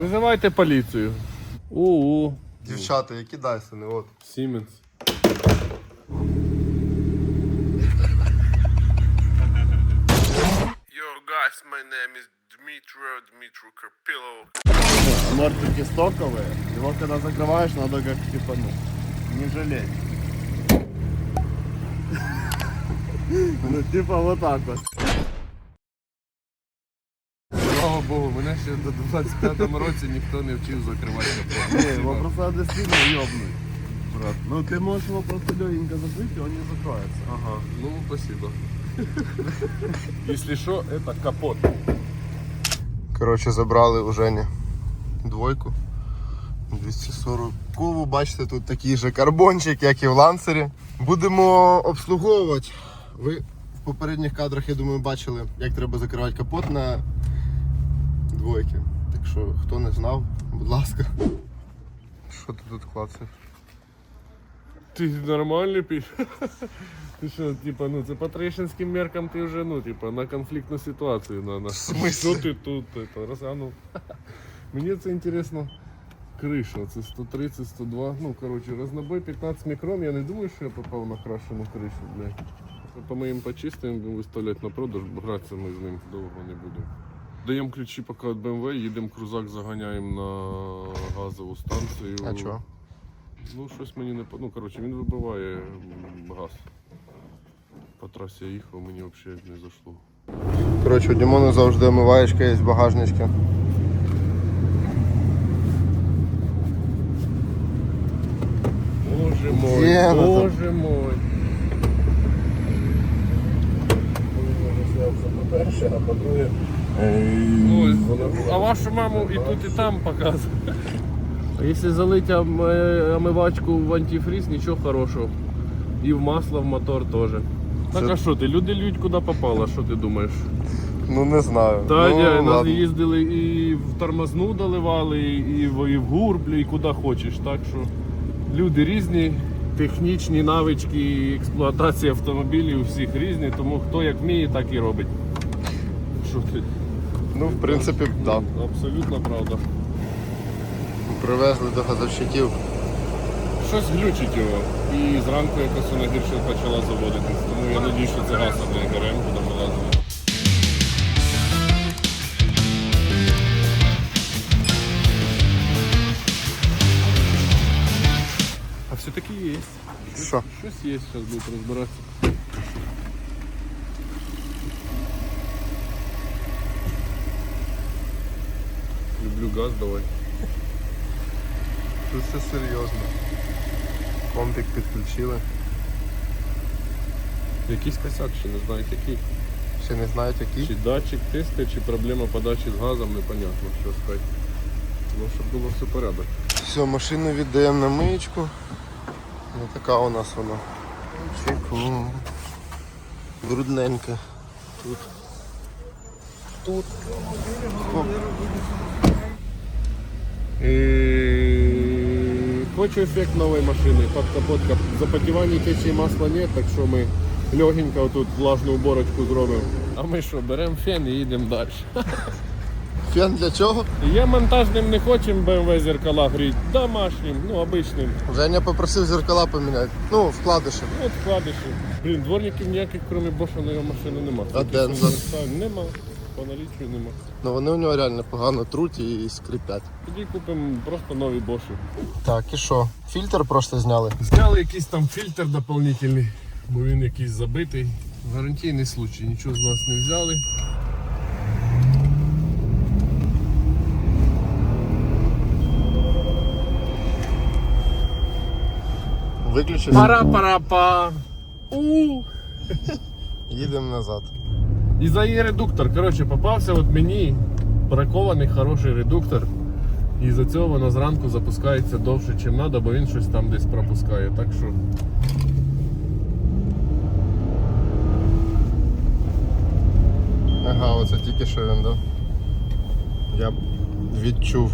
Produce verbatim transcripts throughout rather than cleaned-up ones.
Визивайте поліцію. У-у. Дівчата, які Дайсони, от. Siemens. Yo guys, my name is Dmitro Dmitro Karpilov. Мортики стоковые. Его когда закрываешь, надо как типа, ну, не жалеть. Ну типа вот так вот. Слава Богу, мене ще до двадцять п'ятому році ніхто не вчив закривати капот. Не, его просто надо сильно ёбнуть. Брат. Ну ты можешь его просто легенько закрыть, и он не закроется. Ага, ну спасибо. Если что, это капот. Коротше, забрали у Жені двойку. двісті сорокову, бачите, тут такий же карбончик, як і в лансері. Будемо обслуговувати. Ви в попередніх кадрах, я думаю, бачили, як треба закривати капот на двойки. Так що, хто не знав, будь ласка. Що ти тут клацаєш? Ти нормальний піш? Ти що, типа, ну це по трещинським меркам ти вже, ну, типа, на конфліктну ситуацію на нас. В смысле? Що ти тут, это, розглянув? Мені це інтересно. Криша, це сто тридцять сто два, ну, коротше, разнобой п'ятнадцять мікрон, я не думаю, що я попав на крашену кришу, блядь. По моїм почистим будемо виставляти на продаж, бо гратися ми з ним довго не будемо. Даємо ключі поки від Б М В, їдемо крузак, заганяємо на газову станцію. А чого? Ну, щось мені не по... Ну, коротше, він вибиває газ. По трасі я їхав, мені взагалі не зайшло. Коротше, у Дімона завжди омиваєчка є в багажничці. Боже мой, Є, ну, боже мой. По-перше, а по-друге, Ой, а вашу маму і тут, і там показує. А якщо залити омивачку в антифриз, нічого хорошого. І в масло, в мотор теж. Так а що ти, люди лють куди попало, що ти думаєш? Ну не знаю. Та ну, я, нас ладно. їздили і в тормозну доливали, і в, і в гурблю, і куди хочеш. Так що люди різні, технічні навички, експлуатація автомобілів у всіх різні, тому хто як вміє, так і робить. Що ти? Ну, в принципі, так. Да. Абсолютно правда. Привезли до газовщиків. Щось глючить його. І зранку якось вона гірше почала заводитись. Тому я надію, що це газ, а не ГРМ, куди ми лазили. А все-таки є. Що? Щось є, зараз будуть розбиратися. Люблю газ, давай. Тут все серйозно. Компік підключили. Якийсь косяк, ще не знають який. Ще не знають які. Чи датчик тиску, чи проблема подачі з газом, непонятно, що сказати. Ну, щоб було все порядок. Все, машину віддаємо на миєчку. Ось така у нас вона. Чеку. Брудненька. Тут. Тут. Хоп. И... Хочу эффект новой машины. Под капотка. Запотевания течи масла нет, так що ми легенько тут влажну уборочку зробимо. А ми що, беремо фен і їдемо далі. Фен для чого? Я монтажним не хочемо Б М В зеркала гріти, домашнім, ну обичним. Женя попросив зеркала поміняти. Ну, вкладиші. Ну, от вкладиші. Блін, дворників ніяких, крім Боша, на його машини нема. А Денза? Нема. По наліччю нема. Ну вони у нього реально погано труть і скрипять. Тоді купимо просто нові Боші. Так, і що? Фільтр просто зняли. Зняли якийсь там фільтр дополнительний, бо він якийсь забитий. Гарантійний случай, нічого з нас не взяли. Виключили. Пара-пара-па! У! Їдемо назад. І за її редуктор, коротше, попався от мені бракований хороший редуктор. І за цього воно зранку запускається довше, ніж треба, бо він щось там десь пропускає. Так що... Ага, оце тільки що він, да? Я б відчув.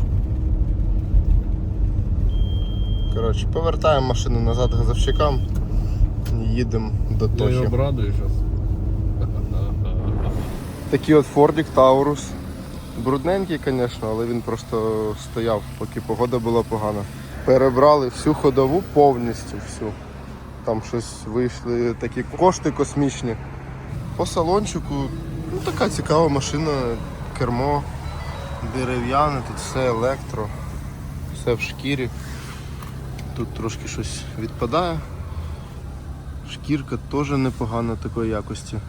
Коротше, повертаємо машину назад газовщикам і їдемо до Я його Тохи. обрадую зараз. Такий от Фордік Таурус. Брудненький, звісно, але він просто стояв, поки погода була погана. Перебрали всю ходову повністю всю. Там щось вийшли такі кошти космічні. По салончику, ну така цікава машина, кермо дерев'яне, тут все електро, все в шкірі. Тут трошки щось відпадає. Шкірка теж непогана такої якості.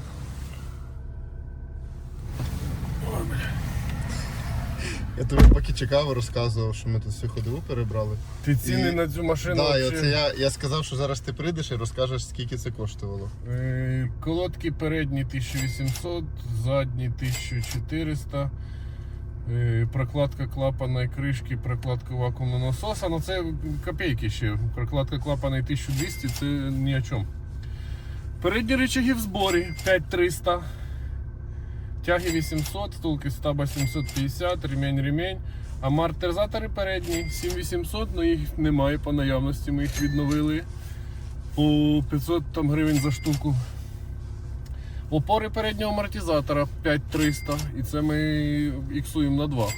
Я тобі поки чекав, розказував, що ми тут всю ходову перебрали. Ти ціни І- на цю машину. Так, вообще- оце я, я сказав, що зараз ти прийдеш і розкажеш, скільки це коштувало. Е, Колодки передні тисяча вісімсот, задні тисяча чотириста. Е, Прокладка клапана і кришки, прокладка вакуумного насоса. Ну це копійки ще. Прокладка клапана і тисяча двісті це ні о чому. Передні рычаги в зборі п'ять триста. Тяги вісімсот, втулки стаба сімсот п'ятдесят, ремень ремень. Амортизатори передні сім вісімсот, але їх немає по наявності, ми їх відновили. По п'ятсот там гривень за штуку. Опори переднього амортизатора п'ять триста, і це ми іксуємо на два.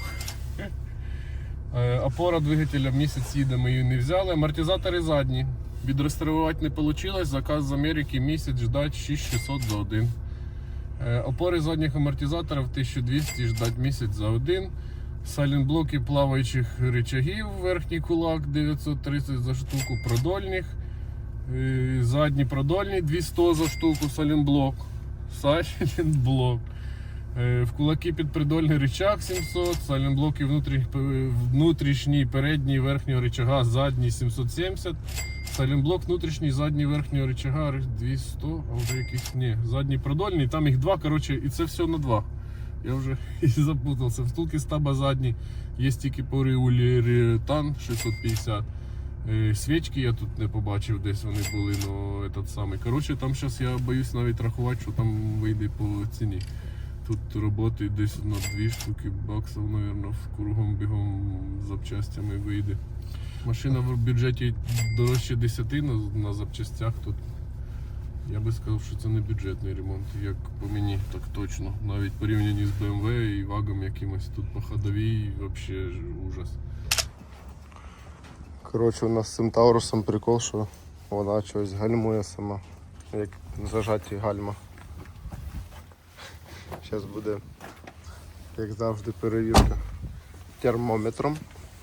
Е, Опора двигателя місяць їде, ми її не взяли. Амортизатори задні. Відреставрувати не вийшло, заказ з Америки місяць ждать шість шістсот за один. Е, Опори задніх амортизаторів тисяча двісті ждать місяць за один. Сайлентблоки плаваючих рычагів, верхній кулак дев'ятсот тридцять за штуку, продольних. Е, Задні продольні двісті за штуку, сайлентблок. Сайлентблок. Е, В кулаки підпридольний рычаг сімсот, сайлентблоки внутрі- внутрішній, передній, верхнього рычага, задній сімсот сімдесят. Сайлентблок внутрішній, задній, верхнього рычага двісті, а вже якийсь, ні, задній продольний, там їх два, коротше, і це все на два. Я вже і запутався. Втулки стаба задні, є тільки поліуретан шістсот п'ятдесят. Е, Свічки я тут не побачив, десь вони були, но этот самий. Коротше, там зараз я боюсь навіть рахувати, що там вийде по ціні. Тут роботи десь на дві штуки баксів, мабуть, кругом бігом запчастями вийде. Машина в бюджеті дорожче десяти на, на запчастях тут. Я би сказав, що це не бюджетний ремонт, як по мені, так точно. Навіть порівняні з бе ем ве і вагом якимось тут по ходовій, взагалі ужас. Коротше, у нас з цим Таурусом прикол, що вона щось гальмує сама, як зажаті гальма. Зараз буде, як завжди, перевірка термометром.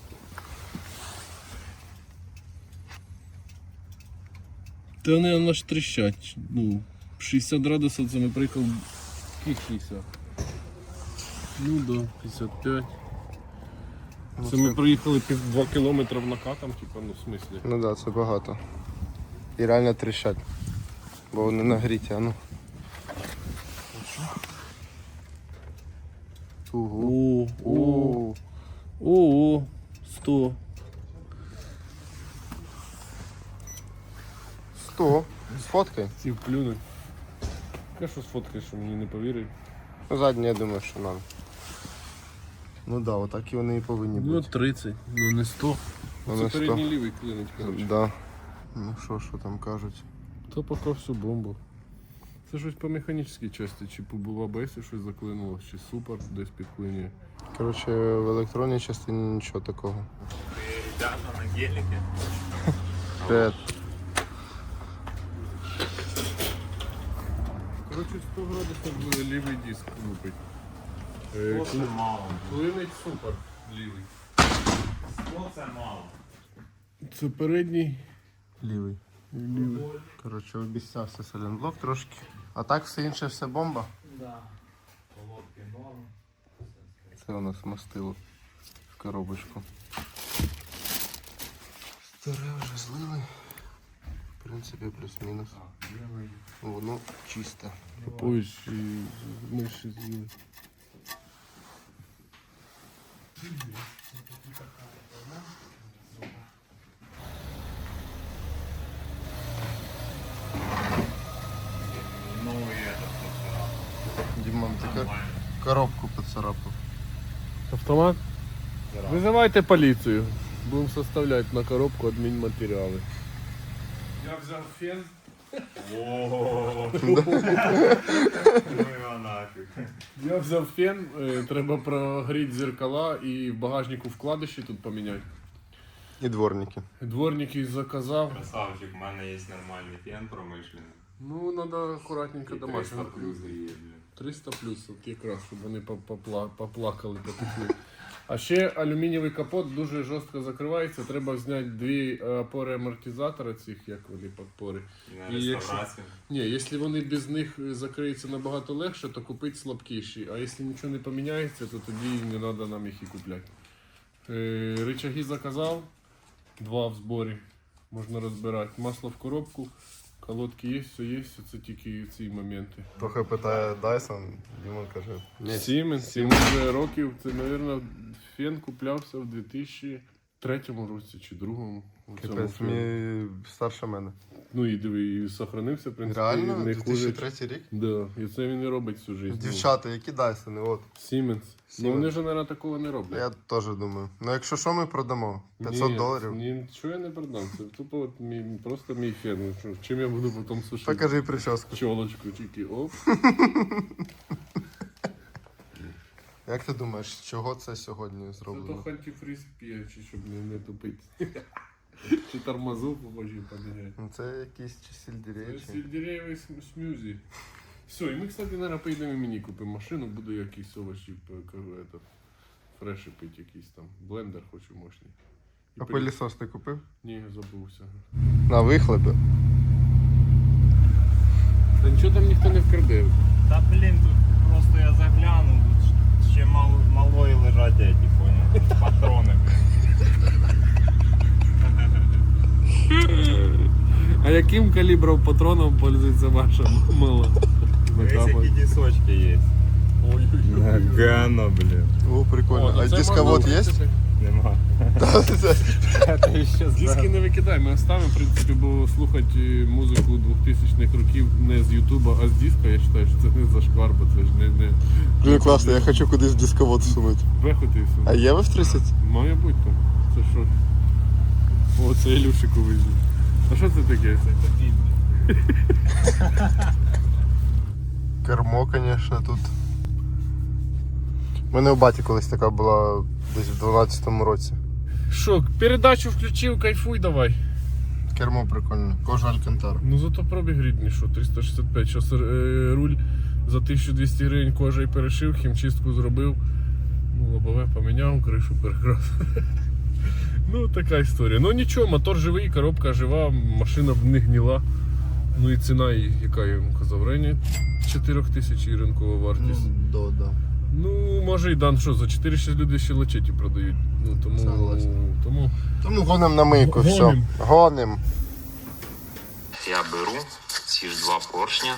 Та вони аж тріщать. Ну, шістдесят градусів це ми приїхали. Яких шістдесят? Ну да, п'ятдесят п'ять. Ну, Це ми приїхали пів два кілометри накатом, типу, ну в смислі. Ну так, да, це багато. І реально тріщать, бо вони нагріті, а ну. Угу. О, о, о, о, сто. Сто. Сфоткай. Ці вплюнуть. Я що сфоткаєш, що мені не повірив. Ну, задні, я думаю, що нам. Ну так, да, отак і вони і повинні Ну бути. тридцять, ну не сто. Ну, Це не сто. передній лівий клинить, коротше. Да. Ну що, що там кажуть? То поки всю бомбу. Це щось по механічній часті, чи по ей бі ес щось заклинуло, чи супер десь підклинює. Коротше, в електронній частині нічого такого. Ребята на гелике. Привет. Коротше, сто градусів лівий диск лупить. Е, Сто це мало. Клинить супер лівий. Сто це мало. Це передній. Лівий. Лівий. Коротше, обіцявся сайлентблок трошки. А так все інше, все бомба. Да. Колодки норм. Це у нас мастило в коробочку. Старе вже злили. В принципі, плюс-мінус. Воно чисте. Попович і миші з'їли. Ну и это просто. Дімон, ти ко- коробку поцарапав. Автомат? Визивайте поліцію. Будемо составляти на коробку адмінматеріали. Я взяв фен. Ого. Ну його нафіг. Я взяв фен, е, треба прогріти зеркала і в багажнику вкладиші тут поміняти. І дворники. Дворники заказав. Красавчик, у мене є нормальний фен промишлений. Ну, треба акуратненько І триста домашнього. плюс гріє, блін. триста плюс, от якраз, щоб вони попла- поплакали, потекли. А ще алюмінієвий капот дуже жорстко закривається. Треба зняти дві е, опори амортизатора цих, як вони підпори. На І якщо- реставрацію. Ні, якщо вони без них закриються набагато легше, то купити слабкіші. А якщо нічого не поміняється, то тоді не треба нам їх і купляти. Е, рычаги заказав, два в зборі. Можна розбирати. Масло в коробку, колодки є, все є, це тільки ці моменти. Трохи питає Dyson, Дімон каже. Siemens, йому вже років, це, мабуть, фен куплявся в дві тисячі третьому році чи другому. У цьому Капець, фені. мені старше мене. Ну і диви, і сохранився, в принципі. Реально? не дві тисячі хуже. третій рік? Да, і це він і робить всю життя. Дівчата, які Дайсони? От. Siemens. Ну Siemens. вони ж, мабуть, такого не роблять. Я теж думаю. Ну якщо що, ми продамо? п'ятсот Ні, доларів. Ні, що я не продам. Це тупо от мій, просто мій фен. Ну, що, чим я буду потім сушити? Покажи прическу. Чолочку, тільки оп. Як ти думаєш, з чого це сьогодні Це зроблено? то антифриз п'є, чи щоб не, не тупити. Чи тормозу побожі поміняти. Ну, це якісь чи сельдерей, чи... Сельдереєвий см- смузі. Все, і ми, кстати, наверное, поїдемо і мені купимо машину, буду якісь овочі, п- кажу, этот, фреші пити якийсь там. Блендер хочу мощний. І А пилі- пилісос ти купив? Ні, забувся. На вихлопі. Та нічого там ніхто не вкраде. Та блін, тут просто я заглянув, тут ще мало, малої лежать эти, понял? Патрони. А яким калібром патроном пользується ваша мила? Ось які дісочки є. Ой-ой-ой. Гано, блін. О, прикольно. ну А це дисковод можна є? виписати. Нема. Диски не викидай, ми оставимо, в принципі, бо слухати музику двохтисячних років не з Ютуба, а з диска, я вважаю, що це не зашквар, бо це ж не, не Блін, класно, я хочу кудись дисковод всунути. вехоти і все. А є ви в тридцять? Має бути там. Це що? О, це Ілюшику візьму. А що це таке? Кермо, звісно, тут. У мене у баті колись така була десь в дванадцятому році. Що, передачу включив, кайфуй давай. Кермо прикольне. Кожа Алькантара. Ну зато пробіг рідний, що, триста шістдесят п'ять. Зараз е, руль за тисячу двісті гривень кожа і перешив, хімчистку зробив. Ну, лобове поміняв, кришу перекрасив. Ну, така історія. Ну нічого, мотор живий, коробка жива, машина не гніла. Ну і ціна, її, яка я вам казав, в районі чотири тисячі і ринкова вартість. да, да. Ну, може і дан, що, за чотири-шість люди ще лечеті продають. Ну, тому, Согласен. тому... Тому гоним на мийку, все. Гоним. Гоним. Я беру ці ж два поршня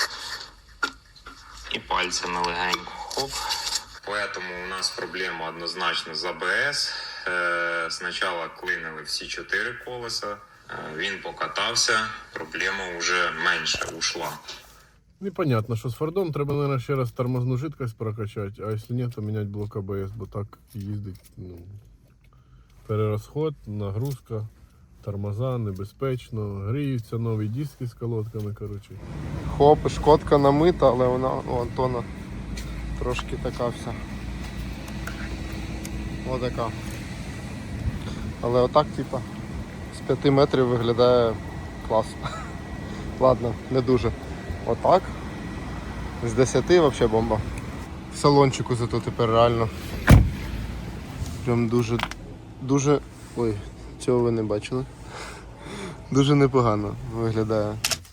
і пальцями легенько. Хоп. Поэтому у нас проблема однозначно з АБС. Е, спочатку клинили всі чотири колеса. Е, він покатався, проблема вже менше ушла. Непонятно, що з Фордом треба, мабуть, ще раз тормозну жидкость прокачати, а якщо ні, то міняти блок АБС, бо так їздить, ну, перерозход, нагрузка, тормоза, небезпечно, гріються нові диски з колодками, коротше. Хоп, шкодка намита, але вона у Антона трошки така вся. Отака. Але отак, типа, з п'яти метрів виглядає класно. Ладно, не дуже. Отак. З десяти взагалі бомба. В салончику зато тепер реально. Прям дуже, дуже... Ой, цього ви не бачили. Дуже непогано виглядає.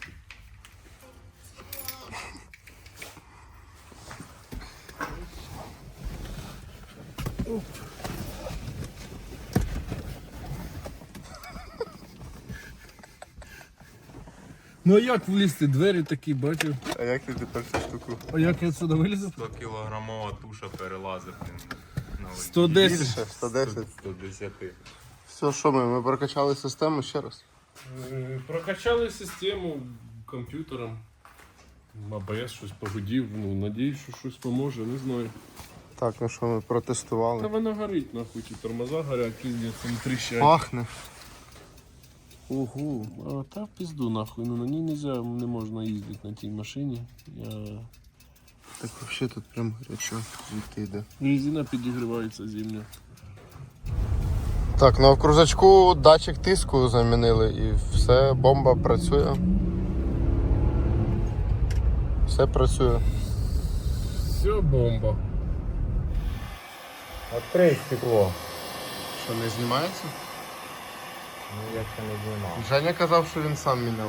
Ну а як влізти? Двері такі, бачив. А як ти тепер цю штуку? А як я сюди вилізу? сто кілограмова туша перелазить на сто десять. Більше, сто десять. сто десять. Все, що ми? Ми прокачали систему ще раз. Е, Прокачали систему комп'ютером. АБС щось погодів, ну, надіюсь, що щось поможе, не знаю. Так, ну що, ми Та протестували. вона горить, нахуй, ті тормоза горять, піздець, там тріщать. Пахне. Ого, а та в пізду нахуй, ну на ній нельзя, не можна їздити на тій машині. Я... Так взагалі тут прям гарячо, звідки йде. Резина підігрівається зимня. Так, ну а в крузачку датчик тиску замінили і все, бомба працює. Все працює. Все бомба. Открий стекло. Що, не знімається? Ну я ще не знімав. Женя казав, що він сам міняв.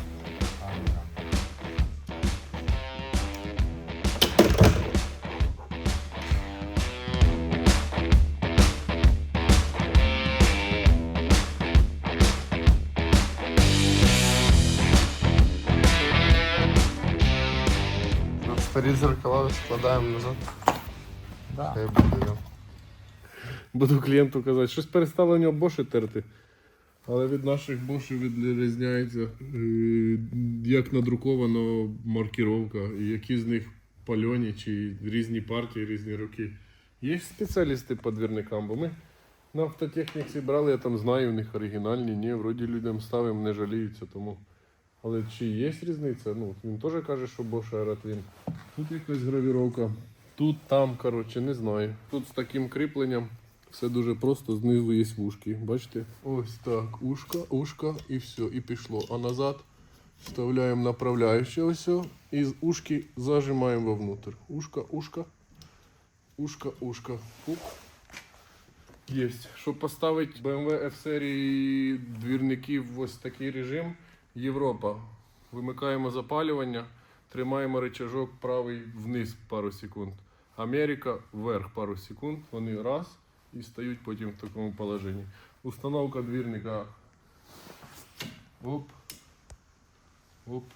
Старі зеркала складаємо назад. Да. Хай буде. Буду клієнту казати, щось перестало у нього боші терти. Але від наших бошів відрізняється, е, як надрукована маркіровка, і які з них пальоні, чи різні партії, різні роки. Є спеціалісти по двірникам, бо ми на автотехніці брали, я там знаю, у них оригінальні, ні, вроді людям ставимо, не жаліються, тому. Але чи є різниця? Ну, він теж каже, що Bosch Aerotlin. Тут якась гравіровка, тут, там, коротше, не знаю. Тут з таким кріпленням все дуже просто, знизу є вушки. Бачите? Ось так, ушка, ушка і все, і пішло. А назад вставляємо направляюче ось, і з ушки зажимаємо вовнутрь. Ушка, ушка, ушка, ушка. Пук. Єсть. Щоб поставити бе ем ве F-серії двірників в ось такий режим, Європа. Вимикаємо запалювання, тримаємо рычажок правий вниз пару секунд. Америка вверх пару секунд. Вони раз і стають потім в такому положенні. Установка двірника. Оп. Оп.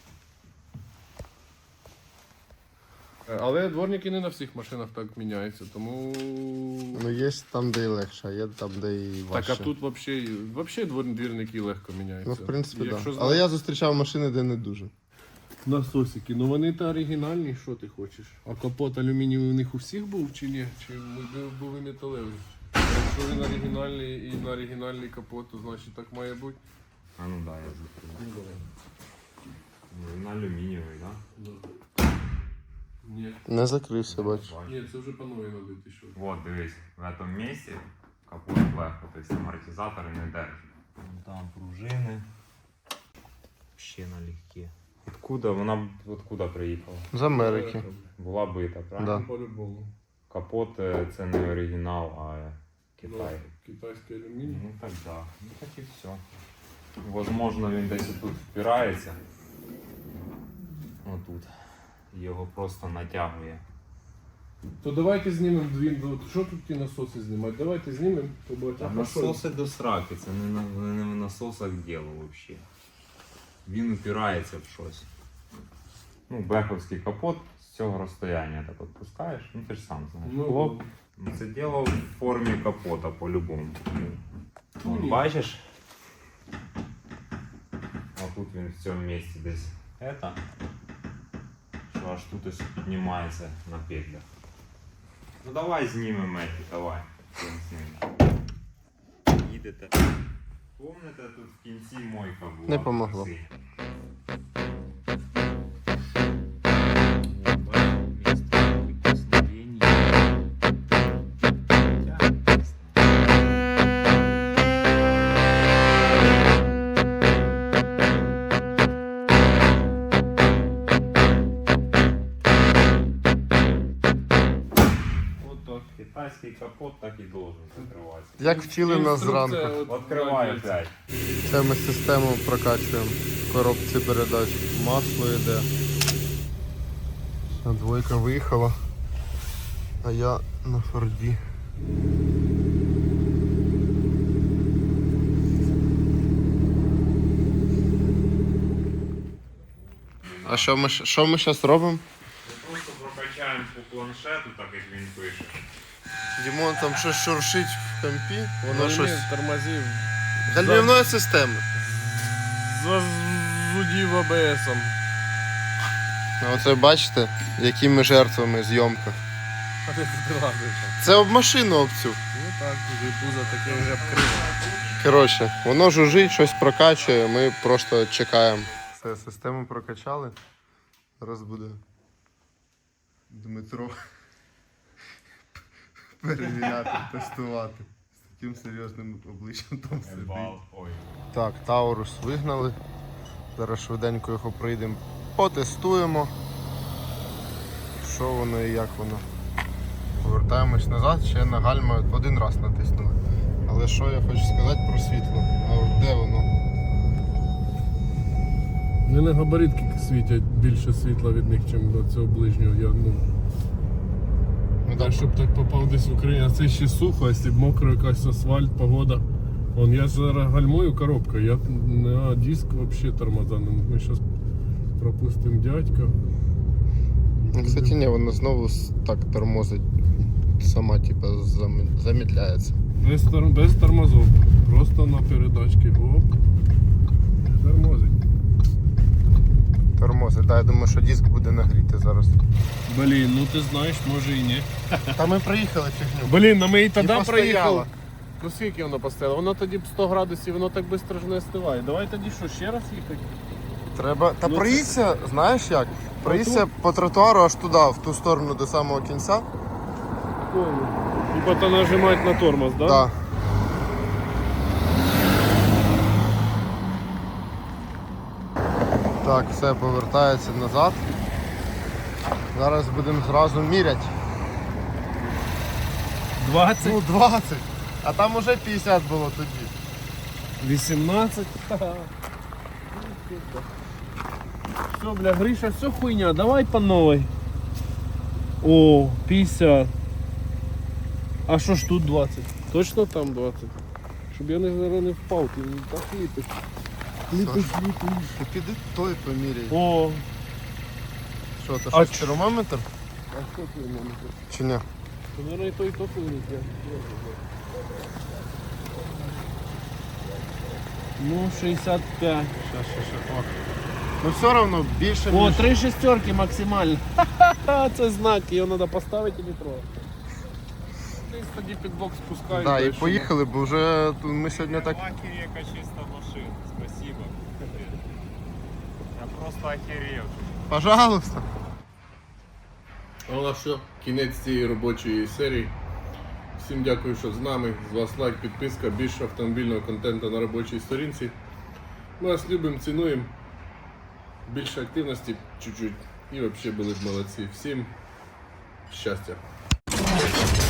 Але дворники не на всіх машинах так міняються, тому... Ну є там, де і легше, а є там, де і важче. Так, а тут взагалі, взагалі двор- двірники легко міняються. Ну, в принципі, так. Якщо Да. знати- Але я зустрічав машини, де не дуже. Насосики, ну вони та оригінальні, що ти хочеш? А капот алюмінієвий у них у всіх був чи ні? Чи були- були металеві? Якщо він оригінальний і на оригінальний капот, то значить так має бути. А ну да, я закрив. Він алюмінієвий, да? Ні. Не закрився, бачу. Ні, це вже по новій набити що. Вот, дивись, в этом місці капот легко, тобто амортизатори не держать. Там пружини. Ще налегке. Откуда? Вона откуда приїхала? З Америки. Була бита, правильно? Да. По-любому. Капот е, це не оригінал, а Китай. Ну, китайський алюміній. Ну так да. Ну так і все. Возможно, він десь тут впирається. Отут. Його просто натягує. То давайте знімемо дві. ну, Що тут ті насоси знімати? Давайте знімемо, побачимо. А насоси до сраки, це не на, не на насосах діло взагалі. Він упирається в щось. Ну, бековський капот з цього розстояння так от пускаєш, ну ти ж сам знаєш. Ну, Хлоп. Ну, це діло в формі капота по-любому. Вон, ні. бачиш? А тут він в цьому місці десь это, що аж тут ось піднімається на петлях. Ну давай знімемо еті, давай. Хрен з ним. Їдете. Помните, тут в кінці мойка була? Не помогло. Красива. Вот, бачите, місце прикосновення. Тягнеться. Вот так. Китайський капот так і должен закриватися. Як вчили нас зранку. Відкривай опять. Це ми систему прокачуємо. В коробці передач масло йде. Все, двойка виїхала. А я на Форді. А що ми, щ- що ми зараз робимо? Просто прокачаємо по планшету, так як він пише. Дімон там щось шуршить в компі. Воно щось. тормозив. Гальмівної системи. Зазудів а бе есом. А оце бачите, якими жертвами зйомка. А ти тут лазиш. Це об машину об цю. Ну так, вже пузо таке вже обкриво. Коротше, воно жужить, щось прокачує, ми просто чекаємо. Все, систему прокачали. Зараз буде Дмитро перевіряти, тестувати. З таким серйозним обличчям там сидить. Ой. Так, Таурус вигнали. Зараз швиденько його прийдемо, потестуємо. Що воно і як воно. Повертаємось назад, ще на гальма один раз натиснули. Але що я хочу сказати про світло? А от де воно? У мене габаритки світять більше світла від них, ніж до цього ближнього. Я, ну, Ну, я, так, щоб так попав десь в Україну, а це ще сухо, якщо б мокро якась асфальт, погода. Вон, я зараз гальмую коробка, я на диск взагалі тормоза. Ми зараз пропустимо дядька. ну, кстати, ні, воно знову с- так тормозить. Сама типа зам- замедляється. Без, тор- без тормозов. Просто на передачці. Оп. Тормозить. Тормозить, так, я думаю, що диск буде нагріти зараз. Блін, ну ти знаєш, може і ні. Та ми приїхали фігню. Блін, ну ми і тоді постояла. проїхали. Ну скільки воно постояло? Воно тоді б сто градусів, воно так швидко ж не остиває. Давай тоді що, ще раз їхати? Треба. Та Ну, проїдься, знаєш як? Проїдься по тротуару аж туди, в ту сторону до самого кінця. І потім нажимати на тормоз, да? Да. Так, все повертається назад. Зараз будемо зразу міряти. двадцять, Ну, двадцять. А там уже п'ятдесят було тоді. вісімнадцять. Все, бля, Гриша, все хуйня, давай по новой. О, п'ятдесят. А що ж тут двадцять? Точно там двадцять? Щоб я не, зараз не впав, ти не так ліпиш. Ліпиш, ліпиш. Ти піди той поміряй. О, Що, то А що, ч- термометр? а що ти в мене? Чи ні? То, наверное, і то, і то повинен. Ну, шістдесят п'ять. Щас, щас, щас. О. Ну все одно більше, О, ніж... три шестерки максимально. Ха-ха-ха, це знак, його треба поставити і не трогати. Ти тоді під бок спускаєш. Да, і дальше. поїхали, бо вже тут ми сьогодні так... Яка чиста машина, спасибо. Я просто охерел. Пожалуйста. А у нас все, кінець цієї робочої серії. Всім дякую, що з нами. З вас лайк, підписка, більше автомобільного контенту на робочій сторінці. Ми вас любимо, цінуємо. Більше активності чуть-чуть. І взагалі були б молодці. Всім щастя.